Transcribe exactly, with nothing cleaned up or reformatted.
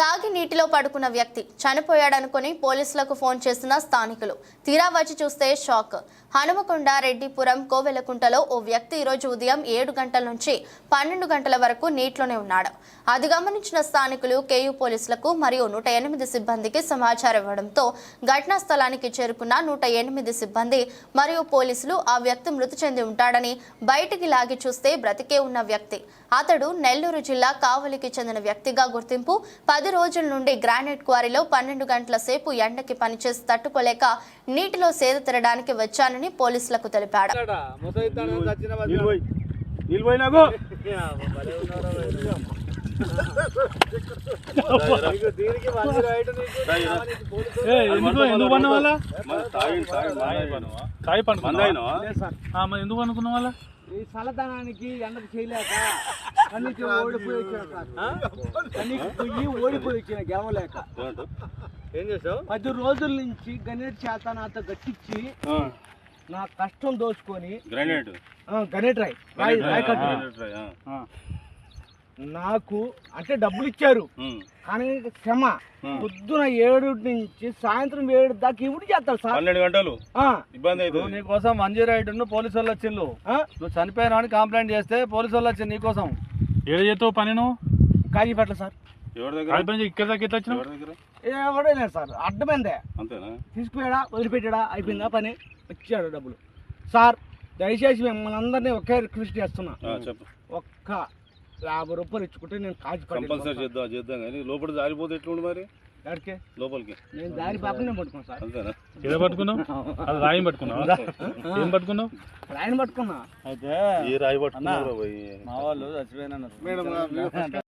తాగి నీటిలో పడుకున్న వ్యక్తి చనిపోయాడనుకుని పోలీసులకు ఫోన్ చేసిన స్థానికులు తీరా వచ్చి చూస్తే షాక్. హనుమకొండ రెడ్డిపురం కోవెలకుంటలో ఓ వ్యక్తి ఈరోజు ఉదయం ఏడు గంటల నుంచి పన్నెండు గంటల వరకు నీటిలోనే ఉన్నాడు. అది గమనించిన స్థానికులు కేయూ పోలీసులకు మరియు నూట ఎనిమిది సిబ్బందికి సమాచారం ఇవ్వడంతో ఘటనా స్థలానికి చేరుకున్న నూట ఎనిమిది సిబ్బంది మరియు పోలీసులు ఆ వ్యక్తి మృతి చెంది ఉంటాడని బయటికి లాగి చూస్తే బ్రతికే ఉన్న వ్యక్తి. అతడు నెల్లూరు జిల్లా కావలికి చెందిన వ్యక్తిగా గుర్తింపు. పది రోజుల నుండి గ్రానైట్ క్వారీలో పన్నెండు గంటల సేపు ఎండకి పనిచేసి తట్టుకోలేక నీటిలో సేద తీరడానికి వచ్చానని పోలీసులకు తెలిపాడు. ఎందుకు అనుకున్న వాళ్ళ ఈ చల్లదనానికి ఎండకు చేయలేక కన్నీకి ఓడిపోయి వచ్చిన కన్నీకి పొయ్యి ఓడిపోయి వచ్చిన గెలవలేక ఏం చేసావు? పది రోజుల నుంచి గణేట్ చేత నాతో గట్టించి నా కష్టం దోచుకొని గ్రానైట్ గణేట్ రాయ్ రాయ్ రాయ్ కట్టు నాకు అంటే డబ్బులు ఇచ్చారు కానీ క్షమ పొద్దున ఏడు నుంచి సాయంత్రం ఏడు దాకా ఇవి చేస్తారు సార్. పన్నెండు గంటలు ఇబ్బంది అవుతుంది. నీకోసం మంజీ రైడ్ పోలీసు వాళ్ళు వచ్చిండు. నువ్వు చనిపోయినా అని కంప్లైంట్ చేస్తే పోలీసు వాళ్ళు వచ్చింది నీకోసం. ఏడు చేస్తావు పని నువ్వు కాజీపేట సార్. ఎవరి దగ్గర ఇక్కడ దాకా ఎట్లా వచ్చినావు? ఎవడలేదు సార్, అడ్డమైందే. అంతేనా? తీసుకుపోయాడా వదిలిపెట్టాడా అయిపోయిందా పని, వచ్చాడు డబ్బులు. సార్ దయచేసి మిమ్మల్ని అందరినీ ఒకే రిక్వెస్ట్ చేస్తున్నా, ఒక్క యాభై రూపాయలు ఇచ్చుకుంటే నేను కాజు కంపల్సరీ చేద్దాం చేద్దాం కానీ లోపల జారిపోతే ఎట్లుండి మరి ఎక్కడికి లోపలికి నేను దారి పాపనే పట్టుకున్నాను సార్. అంతేనా? ఏదో పట్టుకున్నావు? అది రాయి పట్టుకున్నావు? ఏం పట్టుకున్నావు? రాయిని పట్టుకున్నా. అయితే ఏ రాయి పట్టుకున్నావు? మా వాళ్ళు చచ్చిపోయినా